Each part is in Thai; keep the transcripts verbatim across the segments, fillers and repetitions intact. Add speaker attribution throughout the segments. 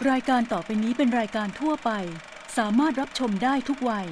Speaker 1: รายการต่อไปนี้เป็นรายการทั่วไปสามารถรับชมได้ทุกวัย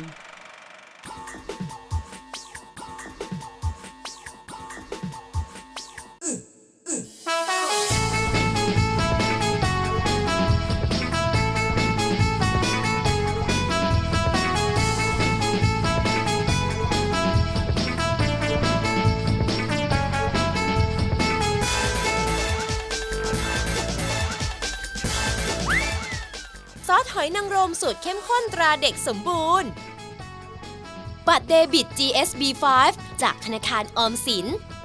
Speaker 2: ซอสหอยนางรมสูตรเข้มข้นตราเด็กสมบูรณ์บัตรเดบิต จี เอส บี ไฟว์ จากธนาคารออมสิน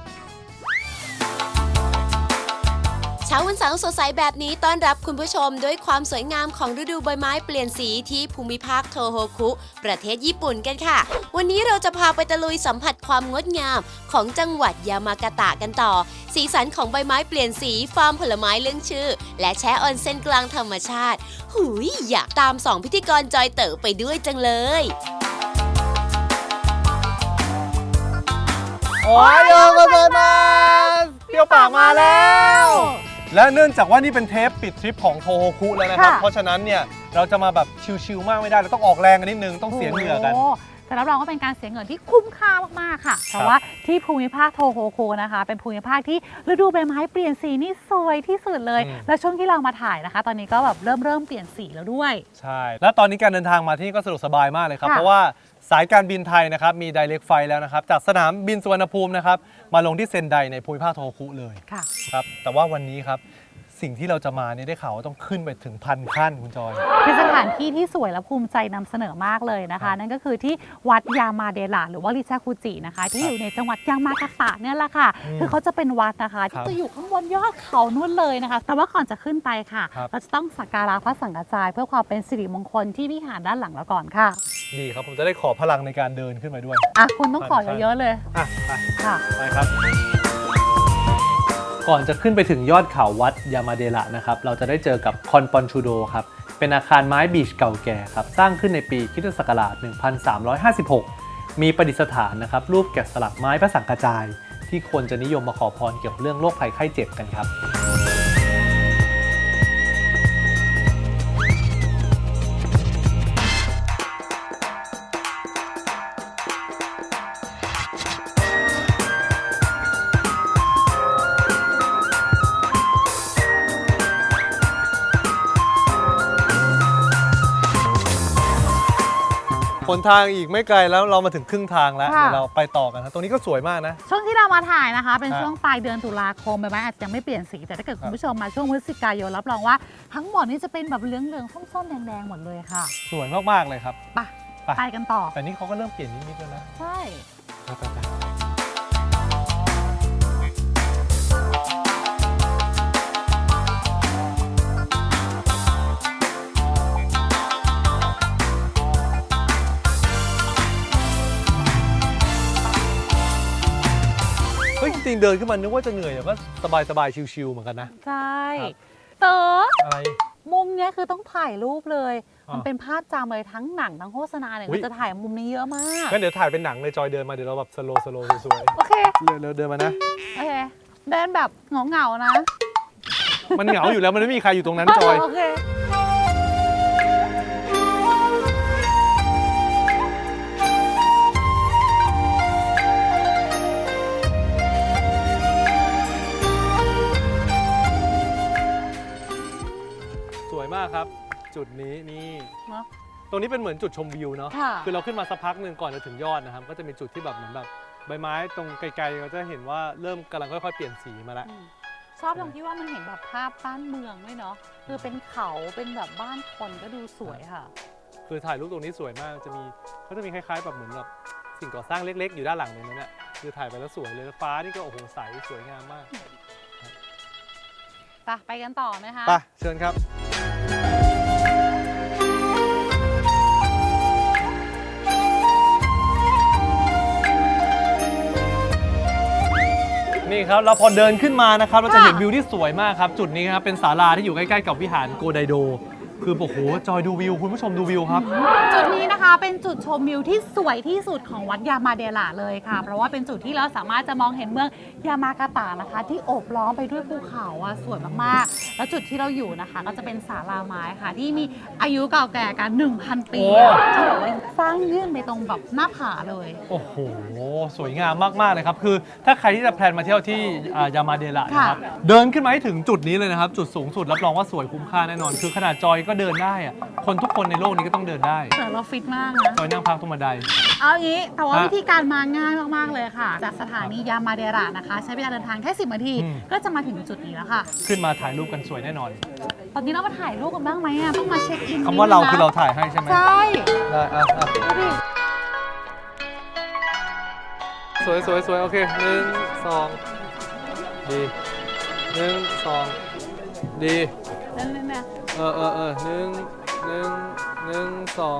Speaker 2: เช้าวันเสาร์สดใสแบบนี้ต้อนรับคุณผู้ชมด้วยความสวยงามของฤดูใบไม้เปลี่ยนสีที่ภูมิภาคโทโฮคุประเทศญี่ปุ่นกันค่ะวันนี้เราจะพาไปตะลุยสัมผัสความงดงามของจังหวัดยามากาตะกันต่อสีสันของใบไม้เปลี่ยนสีฟาร์มผลไม้เรื่องชื่อและแช่ออนเซ็นกลางธรรมชาติหุยอยากตามสองพิธีกรจอยเต๋อไปด้วยจังเลย
Speaker 3: โอ้ยโยกันเลยมาเที่ยวปากมาแล้วและเนื่องจากว่านี่เป็นเทปปิดทริปของโทโฮคุแล้วนะครับเพราะฉะนั้นเนี่ยเราจะมาแบบชิลๆมากไม่ได้เราต้องออกแรงกันนิดนึงต้องเสียเหงื่อกัน
Speaker 4: แต่รับรองว่าเป็นการเสียเงินที่คุ้มค่ามากๆค่ะเพราะว่าที่ภูมิภาคโทโฮคุนะคะเป็นภูมิภาคที่ฤดูใบไม้เปลี่ยนสีนี่สวยที่สุดเลยและช่วงที่เรามาถ่ายนะคะตอนนี้ก็แบบเริ่มเริ่มเปลี่ยนสีแล้วด้วย
Speaker 3: ใช่และตอนนี้การเดินทางมาที่นี่ก็สะดวกสบายมากเลยครับเพราะว่าสายการบินไทยนะครับมี Direct Flight แล้วนะครับจากสนามบินสุวรรณภูมินะครับมาลงที่เซนไดในภูมิภาคโทโฮคุเลยครับแต่ว่าวันนี้ครับสิ่งที่เราจะมาเนี่ยได้ข่าวว่าต้องขึ้นไปถึงพันขั้นคุณจอย
Speaker 4: เป็นสถานที่ที่สวยและภูมิใจนำเสนอมากเลยนะคะนั่นก็คือที่วัดยามาเดระหรือว่าริชาคุจินะคะที่อยู่ในจังหวัดยามากาตะเนี่ยแหละค่ะคือเขาจะเป็นวัดนะคะที่จะอยู่ข้างบนยอดเขานู่นเลยนะคะแต่ว่าก่อนจะขึ้นไปค่ะเราจะต้องสักการะพระสังฆจายเพื่อความเป็นสิริมงคลที่วิหารด้านหลังเราก่อนค่ะ
Speaker 3: ดีครับผมจะได้ขอพลังในการเดินขึ้นไปด้วย
Speaker 4: อ่ะคุณต้องขอเยอะๆเลย
Speaker 3: อ่ะไป
Speaker 4: ค่ะ
Speaker 3: ไปครับก่อนจะขึ้นไปถึงยอดเขาวัดยามาเดระนะครับเราจะได้เจอกับคอนปอนชูโดครับเป็นอาคารไม้บีชเก่าแก่ครับสร้างขึ้นในปีคริสตศักราชหนึ่งพันสามร้อยห้าสิบหกมีประดิษฐานนะครับรูปแกะสลักไม้พระสังฆจายที่คนจะนิยมมาขอพรเกี่ยวกับเรื่องโรคภัยไข้เจ็บกันครับผลทางอีกไม่ไกลแล้วเรามาถึงครึ่งทางแล้วเดี๋ยวเราไปต่อกันนะตรงนี้ก็สวยมากนะ
Speaker 4: ช่วงที่เรามาถ่ายนะคะเป็นช่วงปลายเดือนตุลาคมใบไม้อาจจะยังไม่เปลี่ยนสีแต่ถ้าเกิดคุณผู้ชมมาช่วงพฤศจิกายนรับรองว่าทั้งหมดนี้จะเป็นแบบเหลืองๆส้มๆแดงๆหมดเลยค่ะ
Speaker 3: สวยมากๆเลยครับ
Speaker 4: ไปไปกันต่อ
Speaker 3: แต่นี่เขาก็เริ่มเปลี่ยนนิดๆแล้วนะ
Speaker 4: ใช่
Speaker 3: จริงเดินขึ้นมานึกว่าจะเหนื่อยแต่ก็สบายๆชิลๆเหมือนกันนะ
Speaker 4: ใช่เต๋อ
Speaker 3: อะไร
Speaker 4: มุมนี้คือต้องถ่ายรูปเลยมันเป็นภาพจำเลยทั้งหนังทั้งโฆษณาเนี่ยเราจะถ่ายมุมนี้เยอะมาก
Speaker 3: งั้นเดี๋ยวถ่ายเป็นหนังเลยจอยเดินมาเดี๋ยวเราแบบสโลว์สโลว์สวย
Speaker 4: ๆโอเค
Speaker 3: เร็วๆเดินมานะ
Speaker 4: โอเคเดินแบบเหงาๆนะ
Speaker 3: มันเหงาอยู่แล้วมันไม่มีใครอยู่ตรงนั้นจอย
Speaker 4: โอเค
Speaker 3: มากครับจุดนี้นี่ตรงนี้เป็นเหมือนจุดชมวิวเนาะคือเราขึ้นมาสักพักหนึ่งก่อนจะถึงยอดนะครับก็จะมีจุดที่แบบเหมือนแบบใบไม้ตรงไกลๆเราจะเห็นว่าเริ่มกำลังค่อยๆเปลี่ยนสีมาแล้ว
Speaker 4: ชอบตรงที่ว่ามันเห็นแบบภาพบ้านเมืองด้วยเนาะคือเป็นเขาเป็นแบบบ้านคนก็ดูสวยค่ะ
Speaker 3: คือถ่ายรูปตรงนี้สวยมากจะมีเขาจะมีคล้ายๆแบบเหมือนแบบสิ่งก่อสร้างเล็กๆอยู่ด้านหลังตรงนั้นเนี่ยคือถ่ายไปแล้วสวยเลยฟ้านี่ก็โอ้โหใสสวยงามมาก
Speaker 4: ไปไปกันต่อไหมคะ
Speaker 3: ไปเชิญครับนี่ครับเราพอเดินขึ้นมานะครับเราจะเห็นวิวที่สวยมากครับจุดนี้ครับเป็นศาลาที่อยู่ใกล้ๆกับวิหารโกไดโดคือโอ้โหจอยดูวิวคุณผู้ชมดูวิวครับ
Speaker 4: จุดนี้นะคะเป็นจุดชมวิวที่สวยที่สุดของวัดยามาเดละเลยค่ะ เพราะว่าเป็นจุดที่เราสามารถจะมองเห็นเมืองยามากาตะนะคะ ที่โอบล้อมไปด้วยภูเขาอะสวยมากๆ แล้วจุดที่เราอยู่นะคะ ก็จะเป็นศาลาไม้ค่ะ ที่มีอายุเก่าแก่กัน หนึ่งพัน ปีอะ
Speaker 3: โอ้
Speaker 4: ที่แบบว่าสร้างยื่นไปตรงแบบหน้าผาเลย
Speaker 3: โอ้โห สวยงามมาก ๆ เลยครับ คือถ้าใครที่จะแพลนมาเที่ยวที่อ่ายามาเดละนะครับ เดินขึ้นมาให้ถึงจุดนี้เลยนะครับ จุดสูงสุดรับรองว่าสวยคุ้มค่าแน่นอน คือขนาดจอยก็เดินได้อะคนทุกคนในโลกนี้ก็ต้องเดินได้
Speaker 4: แต่เราฟิตมากนะ
Speaker 3: จอยนั่งพักตรงบันได
Speaker 4: เอางี้แต่ว่า
Speaker 3: ฮะ
Speaker 4: วิธีการมาง่ายมากๆเลยค่ะ จากสถานียามาเดระนะคะ ใช้เวลาเดินทางแค่สิบนาที
Speaker 3: อืม
Speaker 4: ก็จะมาถึงจุดนี้แล้วค่ะ
Speaker 3: ขึ้นมาถ่ายรูปกันสวยแน่นอน
Speaker 4: ตอนนี้เรามาถ่ายรูปกันบ้างไหมอ่ะต้องมาเช็คอิน
Speaker 3: คำว่าเรา
Speaker 4: นิดนึงนะ
Speaker 3: คือเราถ่ายให้ใช่ไหม
Speaker 4: ใช่
Speaker 3: ได้อ่ะอ่ะ
Speaker 4: ดูดิ
Speaker 3: สวยสวยสวยโอเคหนึ่งสองดีหนึ่งสองดี
Speaker 4: นั่นนั่นนะ
Speaker 3: เออเออเออหนึ่งหนึ่งหนึ่งสอง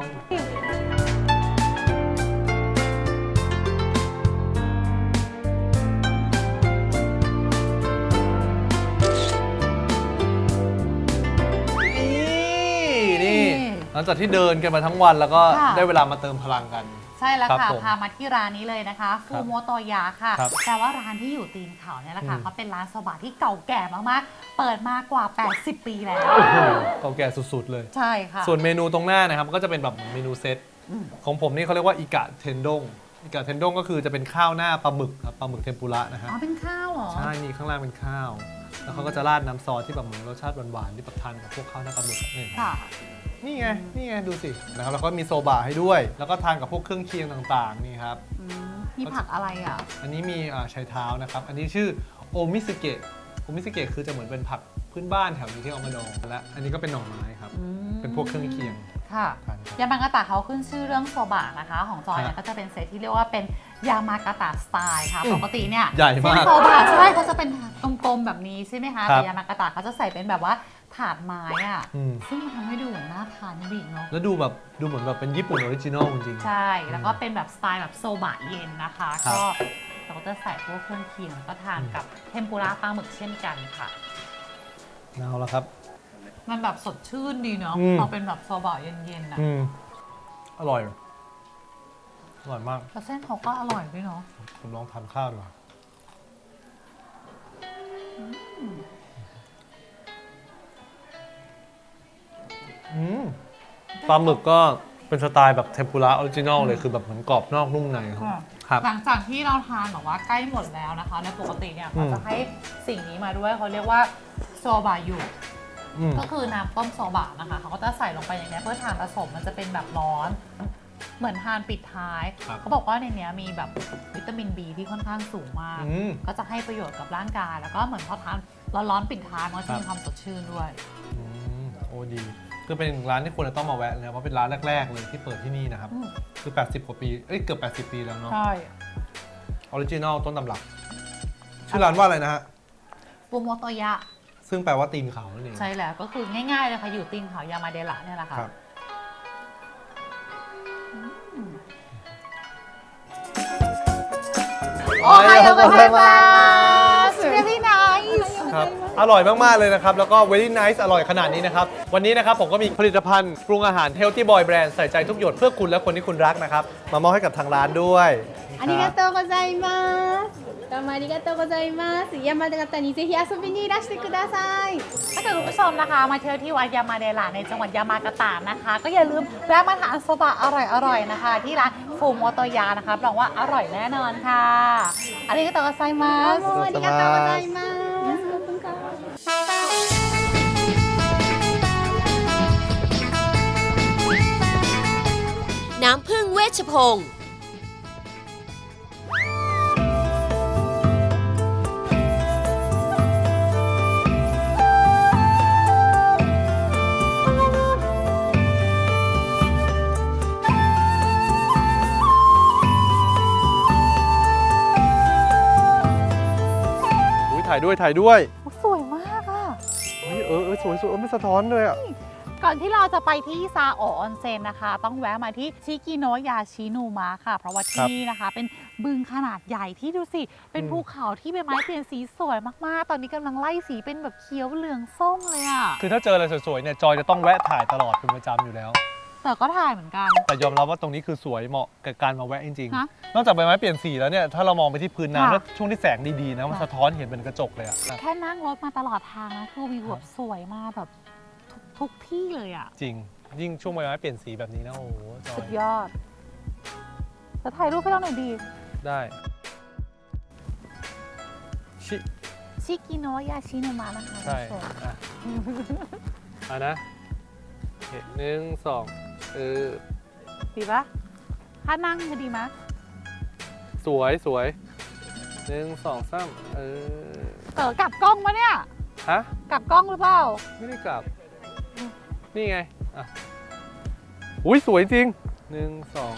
Speaker 3: นี่นี่หลังจากที่เดินกันมาทั้งวันแล้วก็
Speaker 4: ค่ะ
Speaker 3: ได้เวลามาเติมพลังกัน
Speaker 4: ใช่แล้ว
Speaker 3: ครั
Speaker 4: ค่ะ
Speaker 3: บผม
Speaker 4: พามาที่ร้านนี้เลยนะคะฟูโมโตยะค่ะ
Speaker 3: ครับ
Speaker 4: แต่ว่าร้านที่อยู่ตีนเขาเนี่ยแหละค่ะ
Speaker 3: อืม
Speaker 4: เขาเป็นร้านโซบะที่เก่าแก่มากๆ เปิดมากว่า แปดสิบ ปีแล้ว
Speaker 3: โอ้โหเก่าแก่สุดๆเลย
Speaker 4: ใช่ค่ะ
Speaker 3: ส่วนเมนูตรงหน้านะครับก็จะเป็นแบบเมนูเซต
Speaker 4: อืม
Speaker 3: ของผมนี่เขาเรียกว่าอิกะเทนดงอิกะเทนดงก็คือจะเป็นข้าวหน้าปลาหมึกครับปลาหมึกเทมปุระนะฮะ
Speaker 4: อ๋อเป็นข้าวเหรอ
Speaker 3: ใช่นี่ข้างล่างเป็นข้าว แล้วเขาก็จะราดน้ำซอสที่แบบเหมือนรสชาติหวานๆที่แบบทานกับพวกข้าวหน้าปลาหมึกนี่
Speaker 4: ค่ะ
Speaker 3: นี่ไงนี่ไงดูสินะครับแล้วก็มีโซบะให้ด้วย แล้วก็ทานกับพวกเครื่องเคียงต่างๆนี่ครับ
Speaker 4: อืมมีผักอะไรอ่ะ
Speaker 3: อันนี้มีอ่าชายเท้านะครับอันนี้ชื่อโอมิสเกะโอมิสเกะคือจะเหมือนเป็นผักพื้นบ้านแถวนี้ที่เอามาดองและอันนี้ก็เป็นหน่อไม้ครับ
Speaker 4: อืม
Speaker 3: เป็นพวกเครื่องเคียง
Speaker 4: ค่ะ
Speaker 3: ทานครับ
Speaker 4: ยามากาตะเขาขึ้นชื่อเรื่องโซบะนะคะ ของจอยเนี่ย
Speaker 3: ฮะ
Speaker 4: ก็จะเป็นเซตที่เรียกว่าเป็นยามากาตะสไตล์ค่ะ
Speaker 3: อืม
Speaker 4: ปกติเนี่ย
Speaker 3: ใหญ่มาก
Speaker 4: เส้นโซบะใช่เขาจะเป็นกลมๆแบบนี้ใช่ไหมคะ
Speaker 3: ครับ
Speaker 4: แต่ยามากาตะเขาจะใส่เป็นแบบว่าถาดไม้อะ
Speaker 3: อืม
Speaker 4: ซึ่งมันทำให้ดูเหมือนน่าทานจริงเนาะ
Speaker 3: แล้วดูแบบดูเหมือนแบบเป็นญี่ปุ่นออริจินอลจริงๆ
Speaker 4: ใช่ แล้วก็เป็นแบบสไตล์แบบโซบะเย็นนะคะ
Speaker 3: ครับ
Speaker 4: ก็เราก็จะใส่พวกเครื่องเคียงแล้วก็ทานกับเทมปุระปลาหมึกเช่นกันค่ะ
Speaker 3: เอาละครับ
Speaker 4: มันแบบสดชื่นดีเนาะ
Speaker 3: อืม
Speaker 4: พอเป็นแบบโซบะเย็นๆนะ
Speaker 3: อืมอร่อย อร่อยมาก
Speaker 4: แล้วเส้นเขาก็อร่อยด้วยเนาะ
Speaker 3: ผมลองทานข้าวดีกว่าอืมปลาหมึกก็เป็นสไตล์แบบเทมปุระออริจินอลเลยคือแบบเหมือนกรอบนอกนุ่มในครับครับ
Speaker 4: หลังจากที่เราทานแบบว่าใกล้หมดแล้วนะคะในปกติเนี่ย
Speaker 3: อื
Speaker 4: เขา
Speaker 3: ม
Speaker 4: จะให้สิ่งนี้มาด้วยเขาเรียกว่าโซบะยุ
Speaker 3: อืม
Speaker 4: ก็คือน้ำต้มโซบะนะคะเขาก็จะใส่ลงไปอย่างนี้เพื่อทานผสมมันจะเป็นแบบร้อน เหมือนทานปิดท้าย
Speaker 3: ครับ
Speaker 4: เขาบอกว่าในเนี้ยมีแบบวิตามิน B ที่ค่อนข้างสูงมาก
Speaker 3: อืม
Speaker 4: ก็จะให้ประโยชน์กับร่างกาย แล้วก็เหมือนพอทานร้อนๆปิดท้ายมันก็จะ
Speaker 3: ครับ
Speaker 4: มีความสดชื่นด้วย
Speaker 3: อืมโอ้ดี คือเป็นร้านที่ควรจะต้องมาแวะเลยนะเพราะเป็นร้านแรก ๆ เลยที่เปิดที่นี่นะครับ
Speaker 4: อืม
Speaker 3: คือ แปดสิบ กว่าปี เอ้ย เกือบ แปดสิบ ปีแล้วเนาะ
Speaker 4: ใช่
Speaker 3: ออริจินอลต้นตำรับ ชื่อร้านว่าอะไรนะฮะ
Speaker 4: ฟูโมโตยะ
Speaker 3: ซึ่งแปลว่าตีนเขานั่นเอง
Speaker 4: ใช่แล้วก็คือง่ายๆเลยค่ะอยู่ตีนเขายามาเดระเนี่ยแหละค่ะ
Speaker 3: ครับ
Speaker 4: โอไฮโอโกไซมาส really nice
Speaker 3: ครับ อร่อยมาก ๆ เลยนะครับ แล้วก็ very nice อร่อยขนาดนี้นะครับ วันนี้นะครับผมก็มีผลิตภัณฑ์ปรุงอาหาร Healthy Boy Brand ใส่ใจทุกหยดเพื่อคุณและคนที่คุณรักนะครับ มามอบให้กับทางร้านด้วย
Speaker 5: ありがとうございます。どうもありがとうございます。山形にぜひ遊びにいらしてください。
Speaker 4: ถ้าเกิดคุณผู้ชมนะคะมาเที่ยวที่วัดยามาเดระในจังหวัดยามากาตะนะคะ ก็อย่าลืมแวะมาทานโซบะอร่อยๆนะคะ ที่ร้านฟูโมโตยะนะคะรับรองว่าอร่อยแน่นอนค่ะอันนี้ก็ต่อไซมา
Speaker 5: どう
Speaker 4: ส
Speaker 5: もありがとうございます。ขอบคุณค่ะ
Speaker 2: น้ำพึ่งเวชพงศ์
Speaker 3: อุ๊ยถ่ายด้วยถ่ายด้วย
Speaker 4: สวยมากอ่ะ
Speaker 3: เฮ้ยเออเออสวยสวยเออไม่สะท้อนเลยอ่ะ
Speaker 4: ก่อนที่เราจะไปที่ซาโอะออนเซ็นนะคะ ต้องแวะมาที่ชิกิโนะยาชินุมะค่ะ เพราะว่าที่นี่นะคะ เป็นบึงขนาดใหญ่ที่ดูสิ เป็นภูเขาที่ใบไม้เปลี่ยนสีสวยมากๆ ตอนนี้กำลังไล่สีเป็นแบบเขียวเหลืองส้มเลยอ่ะ
Speaker 3: คือถ้าเจออะไรสวยๆเนี่ยจอยจะต้องแวะถ่ายตลอดเป็นประจำอยู่แล้ว
Speaker 4: แต่ก็ถ่ายเหมือนกัน
Speaker 3: แต่ยอมรับว่าตรงนี้คือสวยเหมาะกับการมาแวะจริง
Speaker 4: ฮะ
Speaker 3: ๆ นอกจากใบไม้เปลี่ยนสีแล้วเนี่ยถ้าเรามองไปที่พื้น
Speaker 4: ค่ะ
Speaker 3: น้ำแล้วช่วงที่แสงดีๆนะมัน
Speaker 4: ค่ะ
Speaker 3: สะท้อนเห็นเป็นกระจกเลยอะ
Speaker 4: แค่นั่งรถมาตลอดทางนะคือวิวแบบสวยมากแบบทุกทุกที่เลยอ่ะ
Speaker 3: จริง ยิ่งช่วงใบไม้เปลี่ยนสีแบบนี้นะโอ้โหจอ
Speaker 4: สุด
Speaker 3: ย
Speaker 4: ยอดจะถ่ายรูปให้เราหน่อยดี
Speaker 3: ได้ชิ
Speaker 4: ชิกิโนะยาชินุมะนะคะ
Speaker 3: ใช่
Speaker 4: คุณผู้ชม
Speaker 3: อ่ะอ่ะนะโอเคหนึ่งสองเออ
Speaker 4: ดีปะถ้านั่งจะดีไหม
Speaker 3: สวยสวยหนึ่งสองสามเออ
Speaker 4: เต๋อกลับกล้องปะเนี่ย
Speaker 3: ฮะ
Speaker 4: กลับกล้องหรือเปล่า
Speaker 3: ไม่ได้กลับ นี่ไง อ่ะ อุ้ยสวยจริงหนึ่งสอง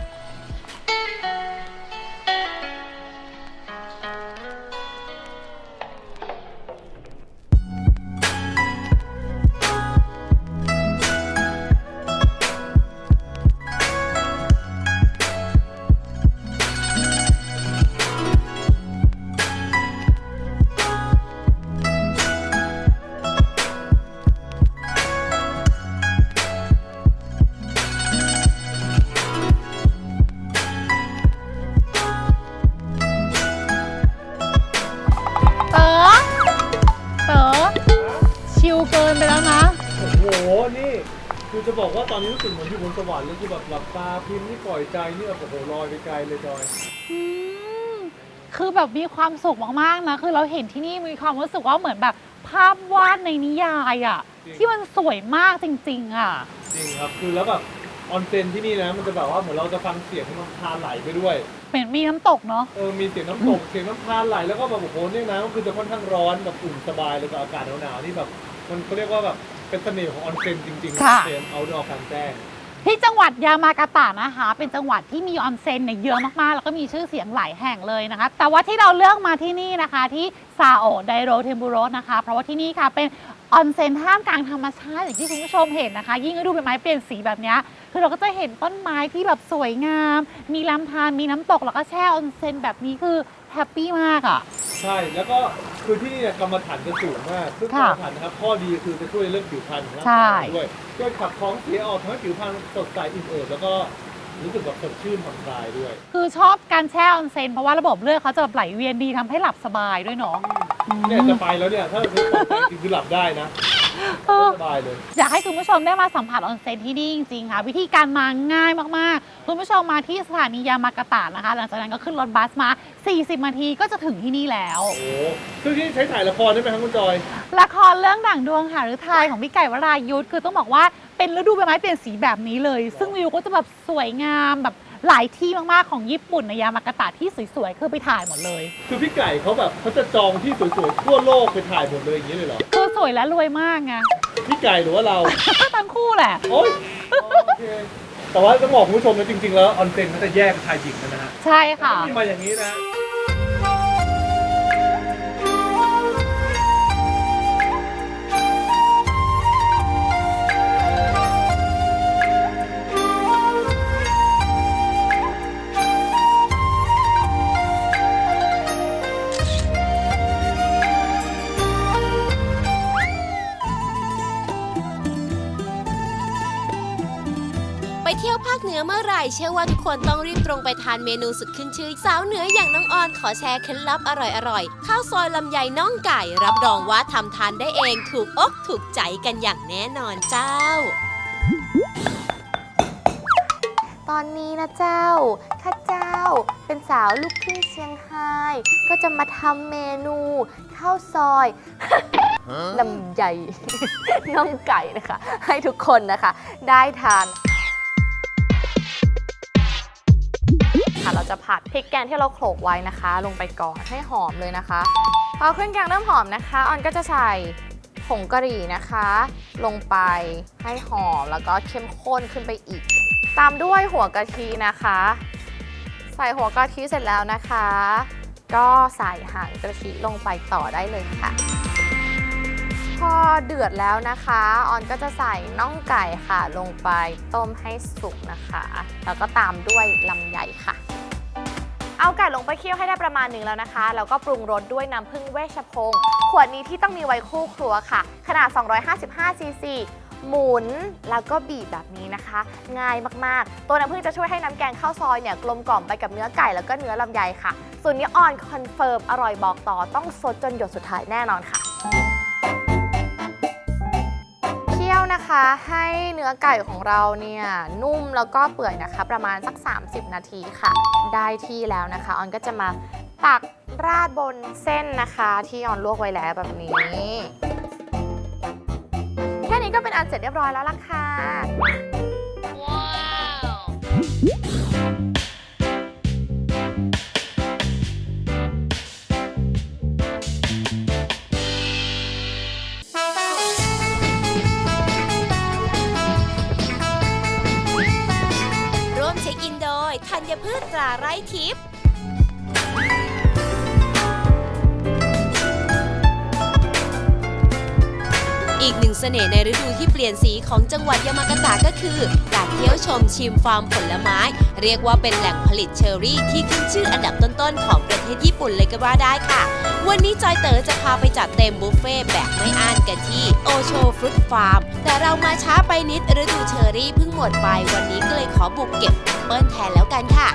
Speaker 4: เต๋อเต๋อชิลเกินไปแล้วนะ
Speaker 3: โอ้โห นี่ คือจะบอกว่าตอนนี้รู้สึกเหมือนอยู่บนสวรรค์เลยคือแบบหลับตาพิมพ์นี่ปล่อยใจนี่แบบโอ้โหลอยไปไกลเลยจอย
Speaker 4: อืมคือแบบมีความสุขมากๆนะ คือเราเห็นที่นี่มีความรู้สึกว่าเหมือนแบบภาพวาดในนิยายอะ
Speaker 3: จริง
Speaker 4: ที่มันสวยมากจริงๆอะ
Speaker 3: จริงครับ คือแล้วแบบออนเซ็นที่นี่นะ มันจะแบบว่าเหมือนเราจะฟังเสียงน้ำธารไหลไปด้วย
Speaker 4: เป็นมีน้ำตกเนาะ
Speaker 3: เออ มีเสียงน้ำตก เสียงน้ำธารไหล แล้วก็แบบโอ้โหเนี่ยนะก็คือจะค่อนข้างร้อนแบบอุ่นสบายเลยกับอากาศหนาวๆนี่แบบ มันเขาเรียกว่าแบบเป็นเสน่ห์ของออนเซ็นจริงๆออนเซ็นเอาดอร์กลางแจ้ง
Speaker 4: ที่จังหวัดยามากาตะนะคะ เป็นจังหวัดที่มีออนเซ็นเนี่ยเยอะมากๆ แล้วก็มีชื่อเสียงหลายแห่งเลยนะคะ แต่ว่าที่เราเลือกมาที่นี่นะคะ ที่ซาโอะไดโรเทมปุโรสนะคะ เพราะว่าที่นี่ค่ะเป็นออนเซ็นท่ามกลางธรรมชาติอย่างที่คุณผู้ชมเห็นนะคะ ยิ่งฤดูใบไม้เปลี่ยนสีแบบเนี้ยคือเราก็จะเห็นต้นไม้ที่แบบสวยงาม มีลำธารมีน้ำตกแล้วก็แช่ออนเซ็นแบบนี้คือแฮปปี้มากอ่ะ
Speaker 3: ใช่ แล้วก็คือที่นี่เนี่ยกรรมฐานจะสูงมากซึ่งกร
Speaker 4: ค่ะ
Speaker 3: รมฐานนะครับข้อดีคือจะช่วยเรื่องผิวพรรณของร่าง
Speaker 4: ใช่
Speaker 3: กายด้วยช่วยขับของเสียออกทำให้ผิวพรรณสดใสอิ่มเอิบแล้วก็รู้สึกแบบสดชื่นผ่อนคลายด้วย
Speaker 4: คือชอบการแช่ออนเซ็นเพราะว่าระบบเลือดเขาจะแบบไหลเวียนดีทำให้หลับสบายด้วยเนาะ
Speaker 3: เนี่ยจะไปแล้วเนี่ยถ้าเราไปจริงๆคือหลับได้นะ
Speaker 4: เออ
Speaker 3: สบายเลย
Speaker 4: อยากให้คุณผู้ชมได้มาสัมผัสออนเซ็นที่นี่จริงๆค่ะ วิธีการมาง่ายมากๆ คุณผู้ชมมาที่สถานียามากาตะนะคะ หลังจากนั้นก็ขึ้นรถบัสมา สี่สิบ นาทีก็จะถึงที่นี่แล้ว
Speaker 3: โอ้โหซึ่งที่ใช้ถ่ายละครได้ไหมครับคุณจอย
Speaker 4: ละครเรื่องด่างดวงหาฤทัยของพี่ไก่วรายุทธคือต้องบอกว่าเป็นฤดูใบไม้เปลี่ยนสีแบบนี้เลย ซึ่งวิวก็จะแบบสวยงามแบบหลายที่มากๆของญี่ปุ่นในยามากาตะที่สวยๆคือไปถ่ายหมดเลย
Speaker 3: คือพี่ไก่เขาแบบเขาจะจองที่สวยๆทั่วโลกไปถ่ายหมดเลยอย่างนี้เลยเหรอ
Speaker 4: คือสวยและรวยมากไง
Speaker 3: พี่ไก่หรือว่าเรา
Speaker 4: ทั้งคู่แหละ
Speaker 3: โอ๊ยโอเคแต่ว่าต้องบอกคุณผู้ชมนะจริงๆแล้วออนเซ็นเขาจะแยกชายหญิงกันนะฮะ
Speaker 4: ใช่ค่ะ
Speaker 3: มีมาอย่างนี้นะ
Speaker 2: ไปเที่ยวภาคเหนือเมื่อไหร่เชื่อว่าทุกคนต้องรีบตรงไปทานเมนูสุดขึ้นชื่อสาวเหนืออย่างน้องออนขอแชร์เคล็ดลับอร่อยๆข้าวซอยลำไยน่องไก่รับรองว่าทำทานได้เองถูกอกถูกใจกันอย่างแน่นอนเจ้า
Speaker 6: ตอนนี้นะเจ้า ข้าเจ้าเป็นสาวลูกครึ่งเชียงไฮ้ก็จะมาทำเมนูข้าวซอย ลำไย น่องไก่นะคะ ให้ทุกคนนะคะได้ทานค่ะเราจะผัดพริกแกงที่เราโขลกไว้นะคะ ลงไปก่อนให้หอมเลยนะคะพอเครื่องแกงเริ่มหอมนะคะออนก็จะใส่ผงกะหรี่นะคะ ลงไปให้หอมแล้วก็เข้มข้นขึ้นไปอีก ตามด้วยหัวกะทินะคะ ใส่หัวกะทิเสร็จแล้วนะคะ ก็ใส่หางกะทิลงไปต่อได้เลยค่ะพอเดือดแล้วนะคะออนก็จะใส่น่องไก่ค่ะลงไปต้มให้สุกนะคะแล้วก็ตามด้วยลำไยค่ะเอาไก่ลงไปเคี่ยวให้ได้ประมาณหนึ่งแล้วนะคะแล้วก็ปรุงรสด้วยน้ำผึ้งเวชพงศ์ขวดนี้ที่ต้องมีไว้คู่ครัวค่ะขนาดสองร้อยห้าสิบห้าซีซีหมุนแล้วก็บีบแบบนี้นะคะง่ายมากๆตัวน้ำผึ้งจะช่วยให้น้ำแกงข้าวซอยเนี่ยกลมกล่อมไปกับเนื้อไก่แล้วก็เนื้อลำไยค่ะส่วนนี้ออนคอนเฟิร์มอร่อยบอกต่อต้องซดจนหยดสุดท้ายแน่นอนค่ะเคี่ยวนะคะให้เนื้อไก่ของเราเนี่ยนุ่มแล้วก็เปื่อยนะคะประมาณสักสามสิบนาทีค่ะได้ที่แล้วนะคะออนก็จะมาตักราดบนเส้นนะคะที่ออนลวกไว้แล้วแบบนี้แค่นี้ก็เป็นอันเสร็จเรียบร้อยแล้วล่ะค่ะว้าว
Speaker 2: ร่วมเช็คอินโดยธัญพืชตราไร่ทิพย์อีกหนึ่งเสน่ห์ในฤดูที่เปลี่ยนสีของจังหวัดยามากาตะก็คือการเที่ยวชมชิมฟาร์มผลไม้เรียกว่าเป็นแหล่งผลิตเชอร์รี่ที่ขึ้นชื่ออันดับต้นๆของประเทศญี่ปุ่นเลยก็ว่าได้ค่ะวันนี้จอยเต๋อจะพาไปจัดเต็มบุฟเฟ่แบบไม่อั้นกันที่โอโชฟรุตฟาร์มแต่เรามาช้าไปนิดฤดูเชอร์รี่เพิ่งหมดไปวันนี้ก็เลยขอบุกเก็บแอปเปิ้ลแทนแล้วกันค่ะ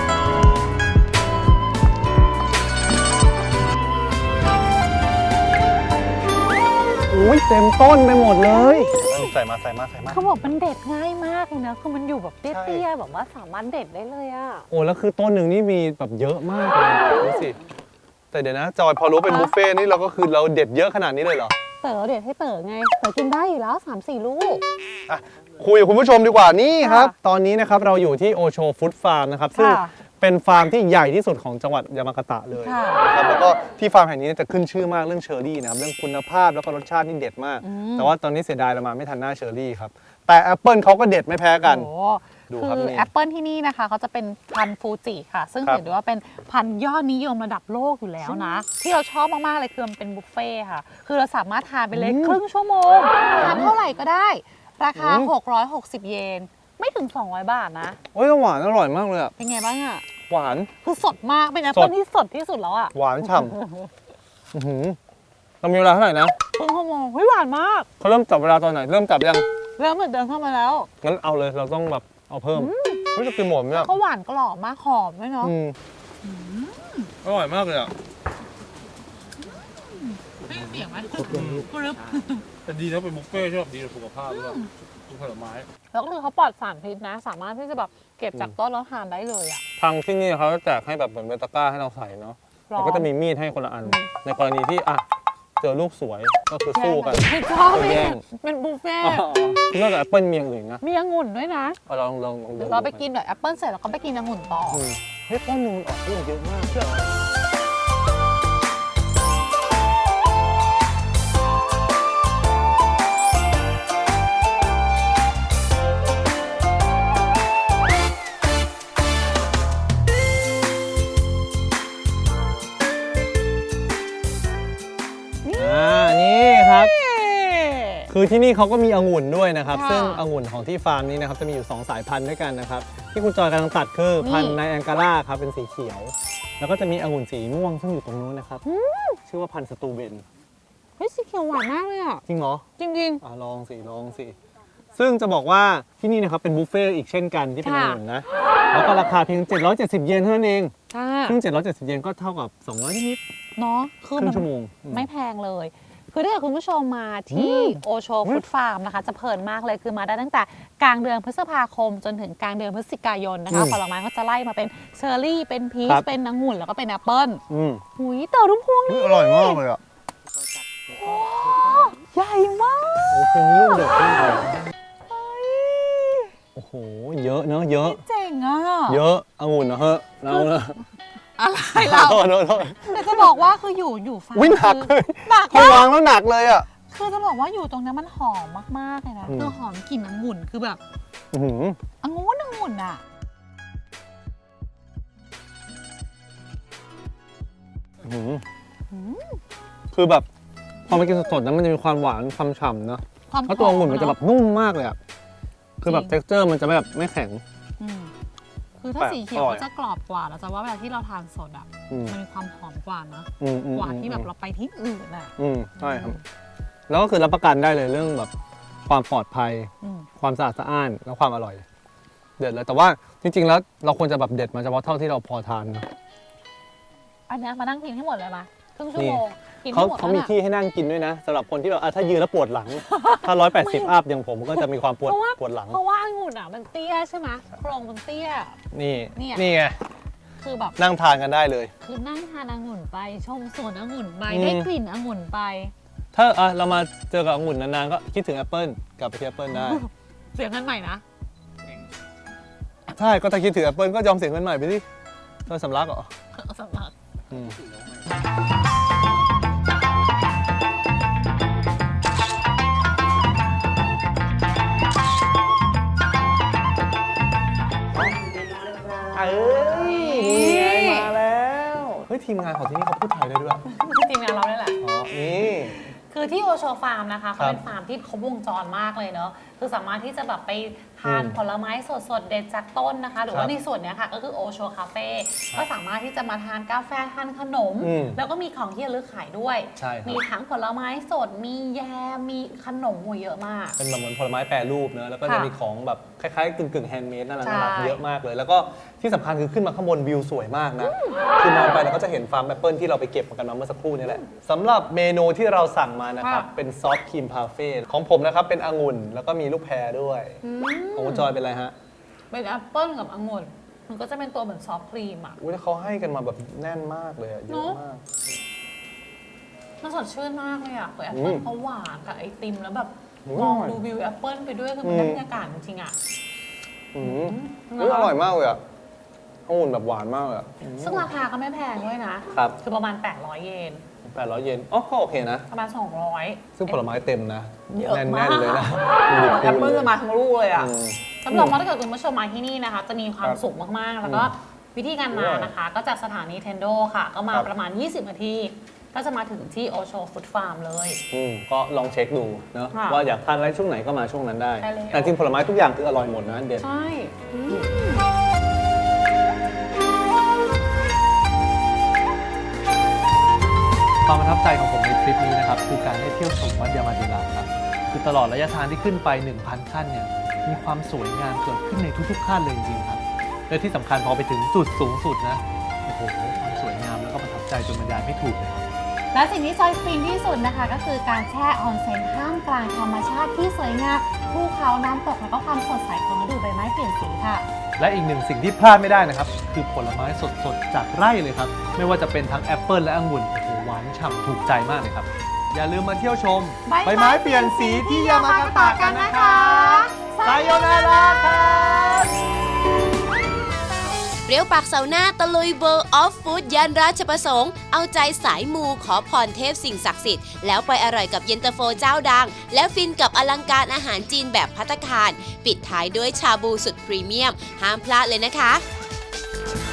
Speaker 3: อุ้ยเต็มต้นไปหมดเลยใส่มาใส่มาใส่มา
Speaker 4: เขาบอกมันเด็ดง่ายมากเลยนะคือมันอยู่แบบเตี้
Speaker 3: ใช่
Speaker 4: ยๆแบบว่าสามารถเด็ดได้เลยอะ
Speaker 3: โอ้แล้วคือต้นหนึ่งนี่มีแบบเยอะมากเลยดูสิแต่เดี๋ยวนะจอยพอรู้เป็นบุฟเฟ่นี่เราก็คือเราเด็ดเยอะขนาดนี้เลยเหรอ
Speaker 4: เต๋อเด็ดให้เต๋อไงเต๋อกินได้อยู่แล้ว สามสี่ ลูก
Speaker 3: อ่ะคุยกับคุณผู้ชมดีกว่านี่ครับ
Speaker 4: ค่ะ
Speaker 3: ตอนนี้นะครับเราอยู่ที่โอโชฟู้ดฟาร์มนะครับซึ่ง
Speaker 4: ค่ะ
Speaker 3: เป็นฟาร์มที่ใหญ่ที่สุดของจังหวัดยามากาตะเลย
Speaker 4: ค่ะ
Speaker 3: นะครับแล้วก็ที่ฟาร์มแห่งนี้จะขึ้นชื่อมากเรื่องเชอร์รี่นะครับเรื่องคุณภาพแล้วก็รสชาตินี่เด็ดมาก
Speaker 4: อืม
Speaker 3: แต่ว่าตอนนี้เสียดายเรามาไม่ทันหน้าเชอร์รี่ครับแต่แอปเปิลเขาก็เด็ดไม่แพ้กัน
Speaker 4: โอ้
Speaker 3: ดู
Speaker 4: คื
Speaker 3: ครับ
Speaker 4: อ
Speaker 3: นี่
Speaker 4: แอปเปิลที่นี่นะคะเขาจะเป็นพันธุ์ฟูจิค่ะ ซึ่ง
Speaker 3: ครับ
Speaker 4: ถือได้ว่าเป็นพันธุ์ยอดนิยมระดับโลกอยู่แล้วนะ ที่เราชอบมากๆเลยคือมันเป็นบุฟเฟ่ต์ค่ะ คือเราสามารถทานไปเลยครึ่งชั่วโมงทานเท่าไหร่ก็ได้ ราคา หกร้อยหกสิบ เยน ไม่ถึง สองร้อย บาทนะ
Speaker 3: โอ้ยหวานอร่อยมากเลยอะ
Speaker 4: เป็นไงบ้างอะ
Speaker 3: หวาน
Speaker 4: คือสดมากเป็นแอปเปิลที่สดที่สุดแล้วอะ
Speaker 3: หวานฉ่ำอื้อหือเรามีเวลาเท่าไหร่นะ
Speaker 4: ครึ่งชั่วโมงเฮ้ยหวานมาก
Speaker 3: เขาเริ่มจับเวลาตอนไหนเริ่มจับยัง
Speaker 4: เริ่มเหมือนเดินเข้ามาแล้ว
Speaker 3: งั้นเอาเลยเราต้องแบบเอาเพิ่มเฮ้ยจะกินหมดไหมเนี่ย
Speaker 4: เขาหวานกรอบมากหอมด้วยเนาะ
Speaker 3: อืมอร่อยมากเลยอ่ะ
Speaker 4: เสียงไหม
Speaker 7: แต่ดีนะเป็นบุฟเฟ่ต์ใช่ไหมดีต่อสุขภาพด้วยทุกผลไม้
Speaker 4: แล้วก็คือเขาปลอดสารพิษนะ สามารถที่จะแบบเก็บจากต้นแล้วทานได้เลยอ่ะ
Speaker 3: ทางที่นี่เขาจะแจกให้แบบเหมือนเป็นตะกร้าให้เราใส่เนาะ
Speaker 4: หรอ
Speaker 3: แล้วก็จะมีมีดให้คนละอัน ในกรณีที่อ่ะเจอลูกสวยก็คือสู้กัน
Speaker 4: ไม่ชอบ
Speaker 3: แย่ง
Speaker 4: เป็นบุฟเฟ่
Speaker 3: อ๋อนอกจากแอปเปิ้ลมีอย่างอื่นนะ
Speaker 4: มีองุ่นด้วยนะ
Speaker 3: เอาลองลองลองดู
Speaker 4: เดี๋ยวเราไปกินแบบแอปเปิลเสร็จแล้วก็ไปกินองุ่นต่อ
Speaker 3: อืมเฮ้ยต้นนึงมันออกลูกเยอะมากอ่านี่ครับ คือที่นี่เขาก็มีองุ่นด้วยนะครับ
Speaker 4: ค่ะ
Speaker 3: ซึ่งองุ่นของที่ฟาร์มนี้นะครับจะมีอยู่ สอง สายพันธุ์ด้วยกันนะครับ ที่คุณจอยกำลังตัดคือ
Speaker 4: นี่
Speaker 3: พันธุ์ไนแองการ่าครับเป็นสีเขียว แล้วก็จะมีองุ่นสีม่วงซึ่งอยู่ตรงนู้นนะครับ ชื่อว่าพันธุ์สตูเบน
Speaker 4: เฮ้ยสีเขียวหวานมากเลยอ่ะ
Speaker 3: จริงเหรอ
Speaker 4: จริง
Speaker 3: อ่ะลองสิลองสิ ซึ่งจะบอกว่าที่นี่นะครับเป็นบุฟเฟ่ต์อีกเช่นกันที่เป็นอ
Speaker 4: ค่ะ
Speaker 3: งุ่นนะ แล้วก็ราคาเพียง เจ็ดร้อยเจ็ดสิบ เยนเท่านั้นเอง
Speaker 4: ๆค่ะ
Speaker 3: ซึ่ง เจ็ดร้อยเจ็ดสิบ เยนก็เท่ากับ สองร้อย นิด
Speaker 4: เนาะ
Speaker 3: ๆ
Speaker 4: คือ
Speaker 3: ครึ่
Speaker 4: มั
Speaker 3: งชั่วโมงอืม
Speaker 4: ไม่แพงเลย คือถ้าเกิดคุณผู้ชมมาที่
Speaker 3: อืม
Speaker 4: โอโชฟู้ดฟาร์มนะคะ จะเพลินมากเลยคือมาได้ตั้งแต่กลางเดือนพฤษภาคมจนถึงกลางเดือนพฤศจิกายนนะคะ
Speaker 3: อืม
Speaker 4: ผลไม้ก็จะไล่มาเป็นเชอร์รี่เป็นพี
Speaker 3: ครั
Speaker 4: ช
Speaker 3: บ
Speaker 4: เป็นองุ่นแล้วก็เป็นแอปเปิ้ล
Speaker 3: อืม
Speaker 4: หุยเต่อรุ่มพวงนี่
Speaker 3: อร่อยมากเลยอ่ะ
Speaker 4: ใหญ่มาก
Speaker 3: โอ้โหมีลูกเด็กมากเลยโอ้โห เยอะเนอะเยอะ
Speaker 4: เจ๋งอ่ะ
Speaker 3: เยอะองุ่นนะเฮ้ยเราเนอะ
Speaker 4: อะไรเรา
Speaker 3: โทษโทษโทษ
Speaker 4: แต่จะบอกว่าคืออยู่อยู่ฟาร์ม
Speaker 3: วิ่งหนักเลย
Speaker 4: หนัก
Speaker 3: พอ
Speaker 4: มาก
Speaker 3: วางแล้วหนักเลยอ่ะ
Speaker 4: คือจะบอกว่าอยู่ตรงนั้นมันหอมมากๆเลยนะ
Speaker 3: อืม
Speaker 4: คือหอมกลิ่นองุ่นคือแบบ
Speaker 3: อื้อหือ
Speaker 4: องุ่นองุ่นอ่ะ
Speaker 3: อื้อหือคือแบบพอมากินสดๆนั้นมันจะมีความหวานความฉ่ำเนาะ
Speaker 4: ความ
Speaker 3: แล้วตัวองุ่นมันจะแบบนุ่มมากเลยอะคือแบบ
Speaker 4: จริง
Speaker 3: เท็กเจอร์มันจะไม่แบบไม่แข็ง
Speaker 4: อืมคือถ้า
Speaker 3: แปลก
Speaker 4: สีเขียว
Speaker 3: อร่อย
Speaker 4: ก็จะกรอบกว่าแล้วจะว่าเวลาที่เราทานสดอ่ะ
Speaker 3: อืม
Speaker 4: มันมีความหอมกว่านะ
Speaker 3: อืมอืม
Speaker 4: กว่าที่แบบ
Speaker 3: อืม
Speaker 4: เราไปที่อื่นอ่ะ
Speaker 3: อืมใช่ครับ แล้วก็คือรับประกันได้เลยเรื่องแบบความปลอดภัย
Speaker 4: อืม
Speaker 3: ความสะอาดสะอ้านและความอร่อย เด็ดเลยแต่ว่าจริงๆแล้วเราควรจะแบบเด็ดมาเฉพาะเท่าที่เราพอทานนะ
Speaker 4: อันเนี้ยมานั่งกินให้หมดเลยมาครึ่งชั่ว
Speaker 3: นี่
Speaker 4: โมงกิน
Speaker 3: เขา
Speaker 4: ให้หมด
Speaker 3: เขา
Speaker 4: แล้ว
Speaker 3: มี
Speaker 4: น่ะ
Speaker 3: ที่ให้นั่งกินด้วยนะสำหรับคนที่แบบอ่ะถ้ายืนแล้วปวดหลัง ถ้าร้อยแปดสิบอัพอย่างผมก็จะมีความปวด
Speaker 4: เพราะว่า
Speaker 3: ปวดหลัง
Speaker 4: เพราะว่าองุ่นอ่ะมันเตี้ยใช่ไหมโครงมันเตี้ย
Speaker 3: นี่
Speaker 4: เนี่ย
Speaker 3: นี่ไง
Speaker 4: คือแบบ
Speaker 3: นั่งทานกันได้เลย
Speaker 4: คือนั่งทานองุ่นไปชมสวนองุ่นไป
Speaker 3: อืม
Speaker 4: ได้กลิ่นองุ่นไป
Speaker 3: ถ้าอ่ะเรามาเจอกับองุ่นนานๆก็คิดถึงแอปเปิลกลับไปที่แอปเปิลได้
Speaker 4: เสียงกันใหม่นะ
Speaker 3: ใช่ก็ถ้าคิดถึงแอปเปิลก็ยอมเสียเงินใหม่ไปดิโดยสำลักเหรอ
Speaker 4: สำหรับ
Speaker 3: อืมเอ้ยนี่ไงมาแล้วเฮ้ยทีมงานของที่นี่เขาพูดไทยได้ด้วย
Speaker 4: ทีมงานเราได้แหละ
Speaker 3: อ๋อนี่
Speaker 4: คือที่โอโชฟาร์มนะคะ
Speaker 3: ครั
Speaker 4: เขา
Speaker 3: บ
Speaker 4: เป็นฟาร์มที่เขาวงจรมากเลยเนอะคือสามารถที่จะแบบไปทาน
Speaker 3: อืม
Speaker 4: ผลไม้สดๆ เด็ดจากต้นนะคะ หรือ
Speaker 3: ครั
Speaker 4: ว่า
Speaker 3: บ
Speaker 4: ในส่วนเนี้ยค่ะก็คือโอโชคาเฟ่ก็สามารถที่จะมาทานกาแฟทานขนม
Speaker 3: อืม
Speaker 4: แล้วก็มีของที่ระลึกขายด้วย
Speaker 3: ใช่ครับ
Speaker 4: มีทั้งผลไม้สด มีแยมมีขนมโอ้เยอะมาก
Speaker 3: เป็นแบบเหมือนผลไม้แปรรูปเนอะแล้วก็จะ
Speaker 4: ค่ะ
Speaker 3: มีของแบบคล้ายๆกึ่งๆแฮนด์เมดน่ารัก
Speaker 4: ใช่
Speaker 3: น่ารักเยอะมากเลย แล้วก็ที่สำคัญคือขึ้นมาข้างบนวิวสวยมากนะ คือมองไปเราก็จะเห็นฟาร์มแอปเปิลที่เราไปเก็บมากันมาเมื่อสักครู่นี่แหละสำหรับเมนูที่เราสั่งมานะครับ
Speaker 4: ค่ะ
Speaker 3: เป็นซอฟต์ครีมพาเฟ่ของผมนะครับเป็นองุ่นแล้วก็มีลูกแพรด้วย ของคุณจอยเป็นอะไรฮะ
Speaker 4: เป็นแอปเปิ้ลกับองุ่นมันก็จะเป็นตัวเหมือนซอฟต์ครีมอ่ะ
Speaker 3: อุ้ยเขาให้กันมาแบบแน่นมากเลยอะเยอะมาก
Speaker 4: มันสดชื่นมากเลยอ่ะคือแอป
Speaker 3: อื
Speaker 4: เปิ้ล
Speaker 3: ม
Speaker 4: เขาหวานกับไอติมแล้วแบบ
Speaker 3: อืม
Speaker 4: มองดูวิวแอปเปิ้ลไปด้วยคือมันได้
Speaker 3: อืม
Speaker 4: บรรยากาศจริงๆอ่ะ
Speaker 3: อืม
Speaker 4: อืม
Speaker 3: อุ๊ยอร่อยมากเลยอะองุ่นแบบหวานมากเลยอะ
Speaker 4: ซึ่งราคาก็ไม่แพงด้วยนะครับ คือประมาณ แปดร้อย เยน
Speaker 3: แปดร้อยเยนอ๋อก็โอเคนะ
Speaker 4: ประมาณ สองร้อย
Speaker 3: ซึ่งผลไม้เต็มนะ
Speaker 4: เยอะ
Speaker 3: แน่
Speaker 4: มาก
Speaker 3: นๆเลยนะ
Speaker 4: แอปเปิ้ลจะมาทั้งลูกเลยอ่ะ
Speaker 3: อืม
Speaker 4: รับรองว่าถ้าเกิดคุณผู้ชมมาที่นี่นะคะ จะมีความ
Speaker 3: ครับ
Speaker 4: สุขมากๆ แล้วก็
Speaker 3: อืม
Speaker 4: วิธีการมานะคะ ก็จากสถานีเทนโดค่ะ ก็มา
Speaker 3: ครับ
Speaker 4: ประมาณ ยี่สิบ นาที ก็จะมาถึงที่โอโชฟู้ดฟาร์มเลย
Speaker 3: อืมก็ลองเช็คดูเนอะ
Speaker 4: ค่ะ
Speaker 3: ว่าอยากทานอะไรช่วงไหนก็มาช่วงนั้นได้
Speaker 4: ใช่แล้ว
Speaker 3: แต่จริงผลไม้ทุกอย่างคืออร่อยหมดนะเด็ด
Speaker 4: ใช่
Speaker 3: ความประทับใจของผมในทริปนี้นะครับคือการได้เที่ยวชมวัดยามาเดลาครับคือตลอดระยะทางที่ขึ้นไป หนึ่งพัน ขั้นเนี่ยมีความสวยงามเกิดขึ้นในทุกๆขั้นเลยจริงๆครับและที่สำคัญพอไปถึงจุดสูงสุดนะโอ้โหความสวยงามแล้วก็ประทับใจจนบรรยายไม่ถูกเลยครับ
Speaker 4: และสิ่งที่จอยฟินที่สุดนะคะ ก็คือการแช่ออนเซ็นท่ามกลางธรรมชาติที่สวยงามภูเขาน้ำตกแล้วก็ความสดใสของฤดูใบไม้เปลี่ยนสีค่ะ
Speaker 3: และอีกหนึ่งสิ่งที่พลาดไม่ได้นะครับ คือผลไม้สดๆ จากไร่เลยครับ ไม่ว่าจะเป็นทั้งแอปเปิลและองุ่นโอ้โหหวานฉ่ำถูกใจมากเลยครับ อย่าลืมมาเที่ยวชม
Speaker 4: ใบไม้เปลี่ยนสีที่ยามากาตะกันนะคะไซโยนาราครับ
Speaker 2: เปรี้ยวปากเสาร์หน้าตะลุย World of Food ย่านราชประสงค์ เอาใจสายมูขอพรเทพสิ่งศักดิ์สิทธิ์แล้วไปอร่อยกับเย็นตาโฟเจ้าดัง และฟินกับอลังการอาหารจีนแบบภัตตาคาร ปิดท้ายด้วยชาบูสุดพรีเมียม ห้ามพลาดเลยนะคะ